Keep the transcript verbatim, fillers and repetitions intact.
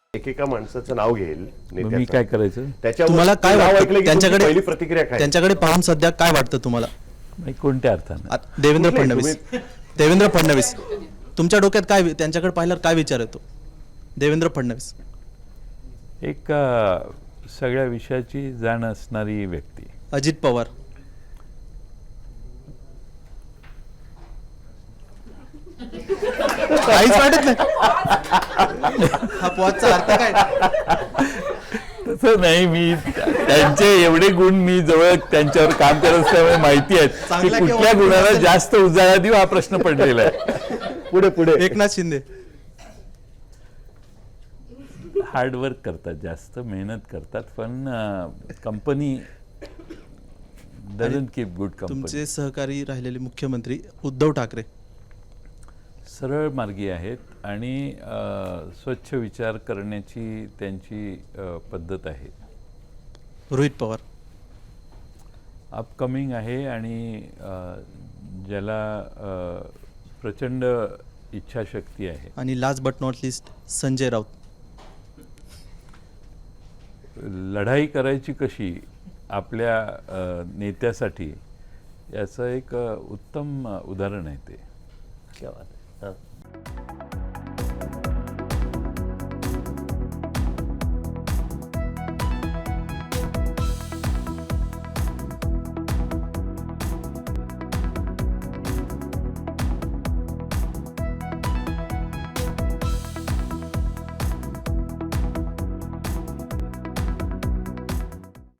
एकेका माणसाचं नाव घेईल मग मी नेत्याचं. काय करायचं? त्याच्यावर तुम्हाला काय नाव वाटतं ऐकलं की त्यांच्याकडे तुमची पहिली प्रतिक्रिया काय? त्यांच्याकडे पाहून सध्या काय वाटतं तुम्हाला? नाही, कोणत्या अर्थानं? आ- देवेंद्र कुठले फडणवीस देवेंद्र फडणवीस तुमच्या डोक्यात काय वि- त्यांच्याकडे पाहिल्यावर काय विचार येतो? देवेंद्र फडणवीस एक अ, सगळ्या विषयाची जाण असणारी व्यक्ती. अजित पवार काहीच वाटत नाही. हा पॉजचा अर्थ काय? तसं नाही, मी त्यांचे एवढे गुण मी जवळ त्यांच्यावर काम करत असल्यामुळे माहिती आहेत की चांगला किंवा कुठल्या वाईट गुणाला असेल. जास्त उजाळा देऊ हा प्रश्न पडलेला आहे. पुढे पुढे एकनाथ शिंदे हार्डवर्क करतात, जास्त मेहनत करतात, पण company doesn't keep good company. तुमचे सहकारी राहिलेले मुख्यमंत्री उद्धव ठाकरे सरळ मार्गी आहेत आणि अ, स्वच्छ विचार करण्याची त्यांची अ, पद्धत आहे. रोहित पवार अपकमिंग आहे आणि अ, ज्याला अ, प्रचंड इच्छाशक्ती आहे. आणि last but not least Sanjay Raut लढाई करायची कशी आपल्या अ, नेत्यासाठी याचं एक अ, उत्तम अ, उदाहरण आहे ते. क्या बात आहे. हां.